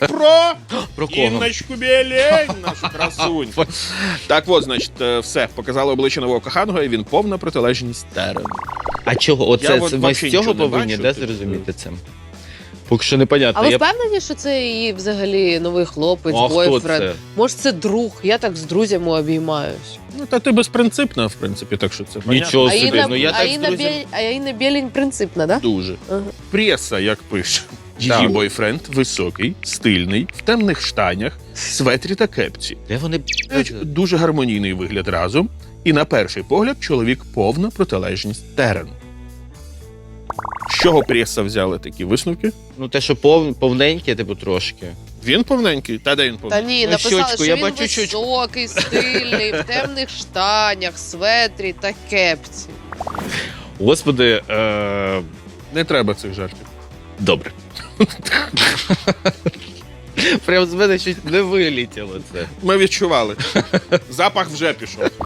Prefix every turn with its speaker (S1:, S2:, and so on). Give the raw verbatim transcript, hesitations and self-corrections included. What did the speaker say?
S1: Про
S2: Про кого?
S1: Інночку Білень, нашу красуньку. Так от, значить, е, все, показали обличчя нового коханого, і він повна протилежність Терену.
S2: А чого?
S1: Я
S2: Оце
S1: от
S2: це, ми
S1: вообще
S2: з цього
S1: нічого не
S2: повинні
S1: бачу,
S2: да,
S1: типу.
S2: зрозуміти це? Поки що непонятно.
S3: А ви
S2: Я...
S3: впевнені, що це її взагалі новий хлопець,
S2: А хто
S3: бойфренд?
S2: це?
S3: Може, це друг? Я так з друзями обіймаюсь.
S1: Ну, та ти безпринципна, в принципі, так що це понятно.
S2: Нічого
S3: А
S2: собі,
S3: Інна,
S2: ну я
S3: а
S2: так з
S3: Інна,
S2: друзями...
S3: Біль... а Інна Білень принципна, да?
S1: Дуже.
S3: Ага.
S1: Преса, як пише. Її
S2: Так.
S1: бойфренд високий, стильний, в темних штанях, светрі та кепці.
S2: Де вони...
S1: Мають дуже гармонійний вигляд разом. І на перший погляд чоловік повна протилежність Терену. З чого преса взяли такі висновки?
S2: Ну те, що пов... повненьке, типу, трошки.
S1: Він повненький? Та де він
S3: Та
S1: повненький?
S3: ні,
S2: Ну,
S3: написали,
S2: щочку,
S3: що
S2: я
S3: він
S2: бачу щочку.
S3: високий, стильний, в темних штанях, светрі та кепці.
S2: Господи, е...
S1: Не треба цих жартів.
S2: добре. Прям з мене щось не вилітіло це.
S1: Ми відчували. Запах вже пішов.